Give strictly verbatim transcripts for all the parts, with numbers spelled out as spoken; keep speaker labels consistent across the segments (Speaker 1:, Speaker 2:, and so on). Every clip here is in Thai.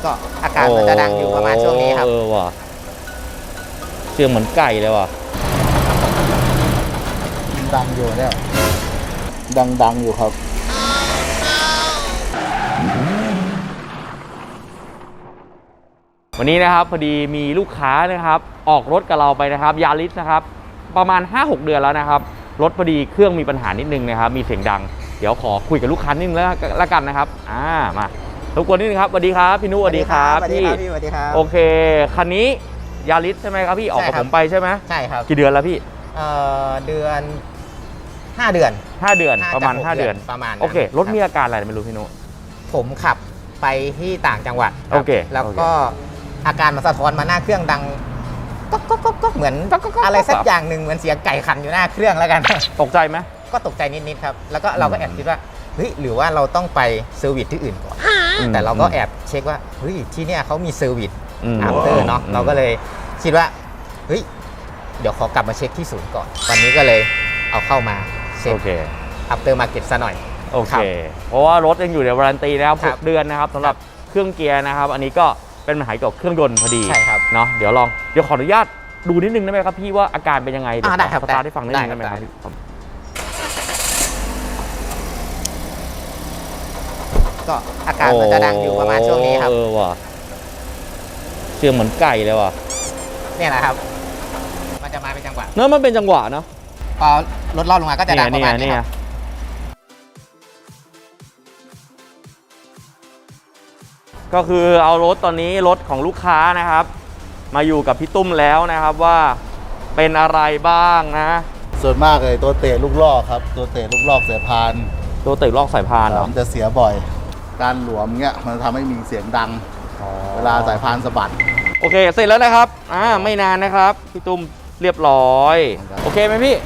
Speaker 1: ก็อาการมันจะดังอยู่ประมาณช่วงนี้ครับ
Speaker 2: เออว่ะเสียงเหมือนไก่เลยว่ะ
Speaker 3: ดังอยู่เนี่ยดังดังอยู่ครับ
Speaker 2: วันนี้นะครับพอดีมีลูกค้านะครับออกรถกับเราไปนะครับยาริสนะครับประมาณ ห้าหก เดือนแล้วนะครับรถพอดีเครื่องมีปัญหานิดนึงนะครับมีเสียงดังเดี๋ยวขอคุยกับลูกค้านิดนึงแล้วละกันนะครับอ่ามารบกวนนิดนึงครับสวัสดีครับพี่นุสวัสดีครับพี่
Speaker 1: สวัสดีครับ
Speaker 2: โอเคคันนี้ยาริสใช่ไหมครับพี่ออกกับผมไปใช่ไหม
Speaker 1: ใช่ครับ
Speaker 2: กี่เดือนแล้วพี่
Speaker 1: เอ่อเดือนห้าเดือน
Speaker 2: ห้าเดือนประมาณห้าเดือน
Speaker 1: ประมาณ
Speaker 2: โอเครถมีอาการอะไรไม่รู้พี่นุ
Speaker 1: ผมขับไปที่ต่างจังหวัด
Speaker 2: โอเค
Speaker 1: แล้วก็อาการมันสะท้อนมาหน้าเครื่องดังก็ก็ก็ก็เหมือนอะไรสักอย่างหนึ่งเหมือนเสียงไก่ขันอยู่หน้าเครื่องแล้วกัน
Speaker 2: ตกใจไหม
Speaker 1: ก็ตกใจนิดๆครับแล้วก็เราก็แอบคิดว่าเฮ้ยหรือว่าเราต้องไปเซอร์วิสที่อื่นก่อนแต่เราก็แอบเช็คว่าเฮ้ยที่เนี่ยเขามีเซอร์วิสอัปเตอร์เนาะเราก็เลยคิดว่าเฮ้ยเดี๋ยวขอกลับมาเช็คที่ศูนย์ก่อนวันนี้ก็เลยเอาเข้ามาเช็คอัปเตอร์มาร์เก็ตซะหน่อย
Speaker 2: โอเคเพราะว่ารถยังอยู่ในวารันตีนะครับหกเดือนนะครับสำหรับเครื่องเกียร์นะครับอันนี้ก็เป็นปัญหาเกี่ยวกับเครื่องยนต์พอดี
Speaker 1: ใช่ครับ
Speaker 2: เนาะเดี๋ยวลองเดี๋ยวขออนุญาตดูนิดนึงได้ไหมครับพี่ว่าอาการเป็นยังไงเดี๋ยว
Speaker 1: ได้ครับ
Speaker 2: สตาร์ทให้ฟังนิดนึงได้ไหมครับ
Speaker 1: ก็อาการมันจะดังอยู่ประมาณช่วงนี้ครับ
Speaker 2: เออว่ะเสียงเหมือนไก่เลยว่ะ
Speaker 1: เนี่ยแหละครับมันจะมาเป็นจังหวะ
Speaker 2: เนอะมันเป็นจังหวะเนาะ
Speaker 1: พอรถลอดลงมาก็จะดังประมาณนี้ครับ
Speaker 2: ก็คือเอารถตอนนี้รถของลูกค้านะครับมาอยู่กับพี่ตุ้มแล้วนะครับว่าเป็นอะไรบ้างนะ
Speaker 3: ส่วนมากเลยตัวเตะลูกลอกครับตัวเตะลูกลอกสายพาน
Speaker 2: ตัวเตะลอกสายพานเหรอ
Speaker 3: มันจะเสียบ่อยการหลวมเงี้ยมันทำให้มีเสียงดังเวลาสายพานสะบัด
Speaker 2: โอเคเสร็จแล้วนะครับอ่าไม่นานนะครับพี่ตุ้มเรียบร้อยโอเคไหมพี่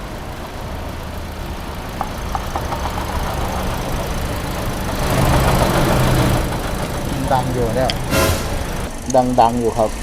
Speaker 3: ดังอยู่เนี่ยดังดังอยู่ครับ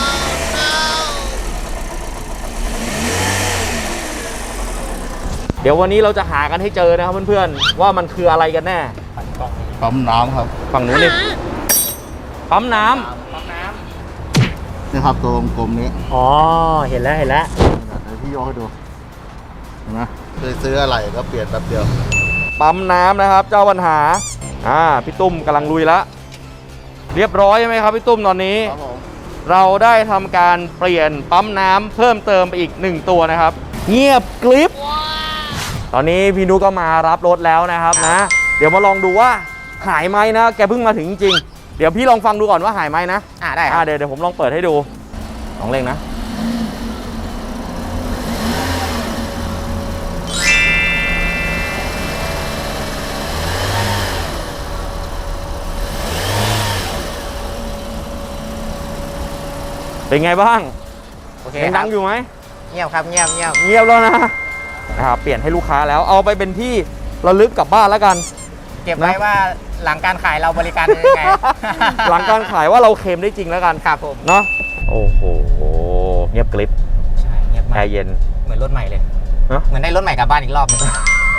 Speaker 2: เดี๋ยววันนี้เราจะหากันให้เจอนะครับเพื่อนๆว่ามันคืออะไรกันแน่
Speaker 3: ปั๊มน้ำครับ
Speaker 2: ฝั่งนู้นนี่ปั๊มน้ำ
Speaker 1: ปั๊มน้
Speaker 3: ำนี่ครับตัวกลมนี้
Speaker 2: อ๋อเห็นแล้วเห็นแล้ว
Speaker 3: เดี๋ยวพี่ยกให้ดูเห็นไหมเคยซื้ออะไรก็เปลี่ยนแป๊บเดียว
Speaker 2: ปั๊มน้ำนะครับเจ้าปัญหาอ่าพี่ตุ้มกำลังลุยแล้วเรียบร้อยใช่ไหมครับพี่ตุ้มตอนนี้เราได้ทำการเปลี่ยนปั๊มน้ำเพิ่มเติมไปอีกหนึ่งตัวนะครับเงียบกริบตอนนี้พี่นุก็มารับรถแล้วนะครับนะเดี๋ยวมาลองดูว่าหายไหมนะแกเพิ่งมาถึงจริงๆเดี๋ยวพี่ลองฟังดูก่อนว่าหายไหมนะ
Speaker 1: อ่าได้
Speaker 2: อ่าเดี๋ยวเดี๋ยวผมลองเปิดให้ดูลองเล่งนะเป็นไงบ้าง
Speaker 1: โอเค
Speaker 2: ยังดังอยู่ไหม
Speaker 1: เงียบครับเงียบเงียบ
Speaker 2: เงียบแล้วนะนะครับเปลี่ยนให้ลูกค้าแล้วเอาไปเป็นที่ระลึกกลับบ้านแล้วกัน
Speaker 1: เก็บไว้ว่าหลังการขายเราบริการยังไง
Speaker 2: หลังการขายว่าเราเคลมได้จริงแล้วกัน
Speaker 1: ครับผม
Speaker 2: เนาะโอ้โหเงียบกริบ
Speaker 1: ใช่เงียบมาก
Speaker 2: แอร์เย็น
Speaker 1: เหมือนรถใหม่เลยเหมือนได้รถใหม่กลับบ้านอีกรอบนึง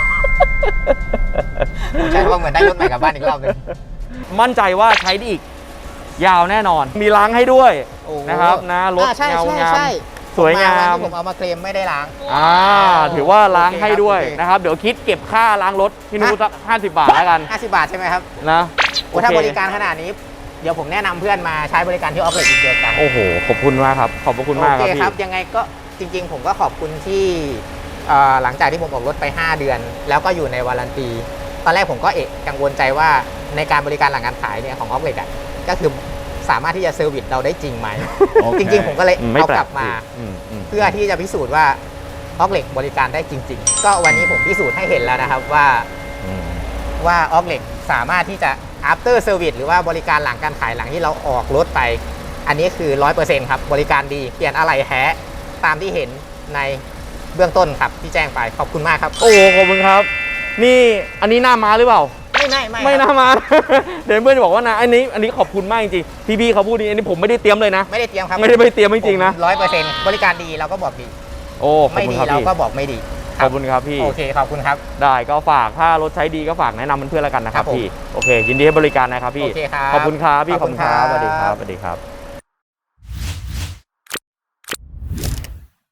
Speaker 1: ใช่ว่าเหมือนได้รถใหม่กลับบ้านอีกรอบนึง
Speaker 2: มั่นใจว่าใช้ได้อีกยาวแน่นอนมีล้างให้ด้วยนะครับนะรถเงางามสวยงาม
Speaker 1: ผมเอามาเคลมไม่ได้ล้าง
Speaker 2: อ่าถือว่าล้างให้ด้วยนะครับเดี๋ยวคิดเก็บค่าล้างรถพี่นุสักห้าสิบบาทแล้วกัน
Speaker 1: ห้าสิบบาทใช่ไหมครับ
Speaker 2: นะ
Speaker 1: โอ้ถ้าบริการขนาดนี้เดี๋ยวผมแนะนำเพื่อนมาใช้บริการที่ออฟเลทอีกเดียวกัน
Speaker 2: โอ้โหขอบคุณมากครับขอบคุณมากครับพี่
Speaker 1: ครับยังไงก็จริงๆผมก็ขอบคุณที่หลังจากที่ผมออกรถไปห้าเดือนแล้วก็อยู่ในวารันตีตอนแรกผมก็เอะกังวลใจว่าในการบริการหลังการขายเนี่ยของออฟเลทอ่ะก็คือสามารถที่จะเซอร์วิสเราได้จริงไหม จริงๆผมก็เลยเอากลับมาเพื่อที่จะพิสูจน์ว่าออกเหล็กบริการได้จริงๆก็วันนี้ผมพิสูจน์ให้เห็นแล้วนะครับว่าว่าออกเหล็กสามารถที่จะ after service หรือว่าบริการหลังการขายหลังที่เราออกรถไปอันนี้คือ ร้อยเปอร์เซ็นต์ ครับบริการดีเปลี่ยนอะไหล่แท้ตามที่เห็นในเบื้องต้นครับที่แจ้งไปขอบคุณมากครับ
Speaker 2: โอ้ขอบคุณครับนี่อันนี้หน้าม้าหรือเปล่า
Speaker 1: ไม่ไม่ไม่
Speaker 2: ไม่น่ามาเดี๋ยวเพื่อนจะบอกว่านะอันนี้อันนี้ขอบคุณมากจริงๆพี่ๆเขาพูดนี้อันนี้ผมไม่ได้เตรียมเลยนะ
Speaker 1: ไม่ได้เตรียมครับ
Speaker 2: ไม่ได้ไปเตรียมจริงๆนะ
Speaker 1: ร้อยเปอร์เซ็นต์บริการดีเราก็บอกดี
Speaker 2: โอ้
Speaker 1: ไม่ดีเราก็บอกไม่ดี
Speaker 2: ขอบคุณครับพี่
Speaker 1: โอเคขอบคุณครับ
Speaker 2: ได้ก็ฝากถ้ารถใช้ดีก็ฝากแนะนำเพื่อนๆแล้วกันนะครับ
Speaker 1: ครับผม
Speaker 2: พี่โอเคยินดีให้บริการนะครับพี่
Speaker 1: โอเคครับ
Speaker 2: ขอบคุณครับพี่
Speaker 1: ข
Speaker 2: ข
Speaker 1: อ
Speaker 2: อ
Speaker 1: บบ คุ
Speaker 2: คุณ ณ
Speaker 1: ค
Speaker 2: ค
Speaker 1: รั
Speaker 2: รับ บสวัสดีครับสวัสดีครับ